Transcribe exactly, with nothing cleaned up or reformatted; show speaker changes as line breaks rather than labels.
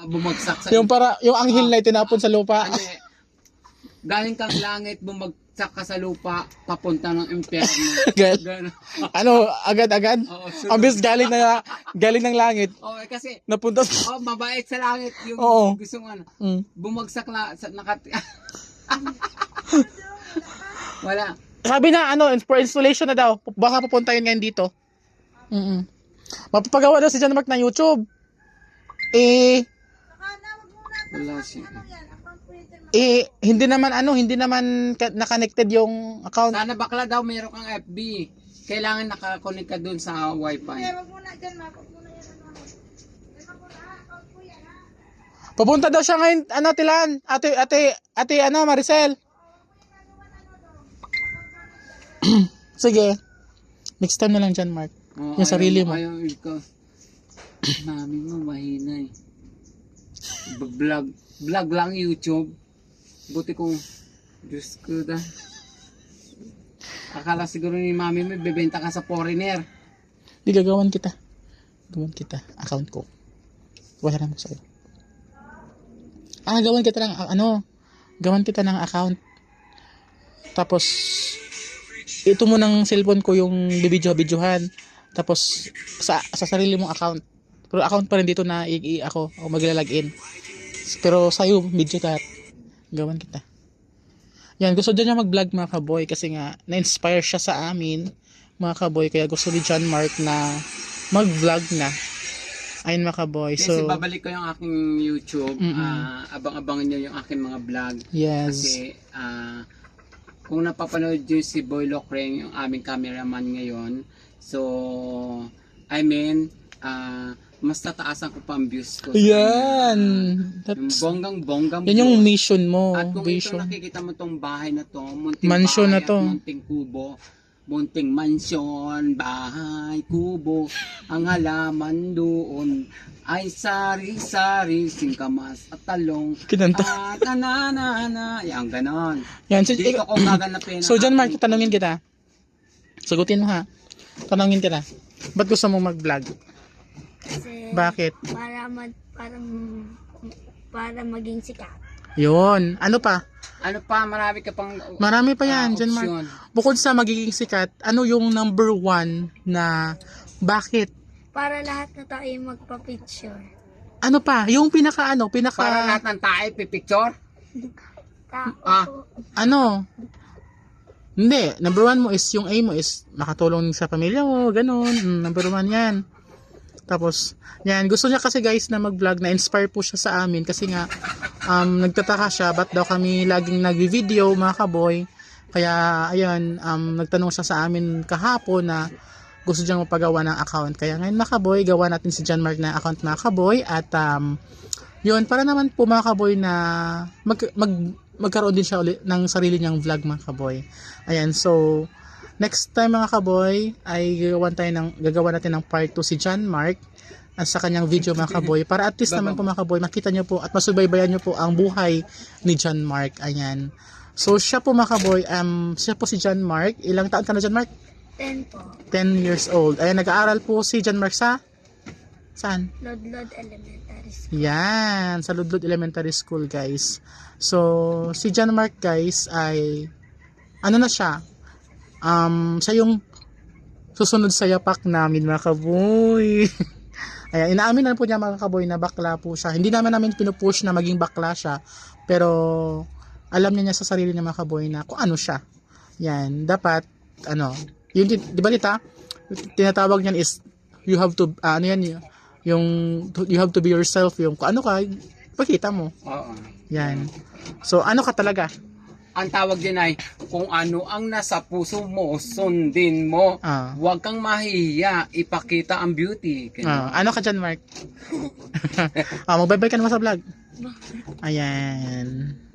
bumagsak sa...
Yung para, yung anghel na itinapon sa lupa.
Ano eh, galing kang langit, bumagsak ka sa lupa, papunta ng impyerno.
Agad.
Gano'n.
Ano, agad-agad?
Oo, sunod.
Ambis galing na, galing ng langit.
Oo, eh, kasi,
Napunta sa...
oh, mabait sa langit yung
Oo.
gusto mo ano.
Mm.
Bumagsak na, sa, nakat... Wala.
Sabi na, ano, for installation na daw. Baka pupunta yun ngayon dito. Mm-mm. Mapapagawa daw si John Mark na YouTube. Eh,
Wala siya.
eh, hindi naman, ano, hindi naman ka- na-connected yung account.
Sana bakla daw mayroon kang F B. Kailangan nakakonect ka dun sa wifi.
Pupunta daw siya ngayon, ano, Tilan? Ate, ate, ate, ano, Maricel? Sige. Next time na lang John Mark.
Oh,
Yung sarili mo.
Ayaw ikaw. Mami mo, mahina eh. Vlog. Vlog lang YouTube. Buti kong, Diyos ko da. Akala siguro ni mami mo, bebenta ka sa foreigner.
Di gagawan kita. Gagawan kita. Account ko. Wala naman sa'yo. Ah, gawan kita ng, ah, ano, gawan kita ng account. Tapos, ito mo ng cellphone ko yung bibidyo-bidyohan. Tapos, sa, sa sarili mong account. Pero account pa rin dito na i, i ako, ako maglalagin. Pero sa'yo, video lahat. Gawan kita. Yan, gusto din niya mag-vlog mga kaboy kasi nga, na-inspire siya sa amin, mga kaboy. Kaya gusto ni John Mark na mag-vlog na. Ayun mga kaboy.
Kasi
So,
babalik ko yung aking YouTube. ah, abang-abangan nyo yung aking mga vlog.
yes.
Kasi, ah, kung napapanood nyo si Boy Locreng, yung aming cameraman ngayon, so, I mean, ah, mas tataasan ko pa ang views ko. sa
Yan.
kanya. Yung
That's,
bonggang-bonggang
yan yung
views.
mission mo.
At kung
Vision.
ito nakikita mo tong bahay na to, munting
Mansion
bahay
na to.
at munting kubo, munting mansyon, bahay, kubo, ang halaman doon ay sari-sari, singkamas at talong.
Kinanta.
At ananana, yan ganon.
Yan. So,
Dito ko gaganapin.
so John Mark,
aking-
tanungin kita. Sagutin mo ha. Tanungin kita. Ba't gusto mo mag-vlog?
Kasi
Bakit?
para mag para para maging sikat.
Yun. Ano pa?
Ano pa, marami ka pang
Marami pa
ah,
yan, John Mark.
opsyon.
Bukod sa magiging sikat, ano yung number one na bakit?
Para lahat na tayo magpa-picture.
Ano pa? Yung pinaka ano, pinaka
Para lahat ng tayo pipicture.
Ta
Ah.
ano? Hindi, number one mo is yung aim mo is makatulong sa pamilya mo, ganun. Mm, number one yan. Tapos, yan, gusto niya kasi guys na mag-vlog, na-inspire po siya sa amin kasi nga, um, nagtataka siya, ba't daw kami laging nag-video mga kaboy. Kaya, ayun, um, nagtanong siya sa amin kahapon na gusto niyang mapagawa ng account. Kaya ngayon mga kaboy, gawa natin si John Mark na account mga kaboy at um, yun, para naman po mga kaboy na mag, mag, magkaroon din siya ulit ng sarili niyang vlog mga kaboy. Ayan, so, next time mga kaboy ay gagawan tayo ng gagawa natin ng part two si John Mark at sa kanyang video mga kaboy para at least naman po mga kaboy makita niyo po at masubaybayan niyo po ang buhay ni John Mark. Ayan. So siya po mga kaboy, um, siya po si John Mark. Ilang taon ka na John Mark?
ten po.
ten years old. Ayan, nag-aaral po si John Mark sa saan?
Lodlod Elementary School.
Yan, sa Ludlod Elementary School guys. So si John Mark guys ay ano na siya? Um, siya yung susunod sa yapak namin mga kaboy. Ayan, inaamin na po niya mga kaboy na bakla po siya. Hindi naman namin pinupush na maging bakla siya. Pero alam niya, niya sa sarili niya mga kaboy na kung ano siya. Yan, dapat ano, yun, di ba Lita? Tinatawag niyan is you have to, uh, ano yan, yung you have to be yourself. Yung kung ano ka, pakita mo.
Oo.
Yan. So, ano ka talaga?
Ang tawag din ay, kung ano ang nasa puso mo, sundin mo.
Ah.
Huwag kang mahihiya, ipakita ang beauty.
Ah, ano ka dyan, Mark? ah, magbabay ka naman sa vlog. Ayan.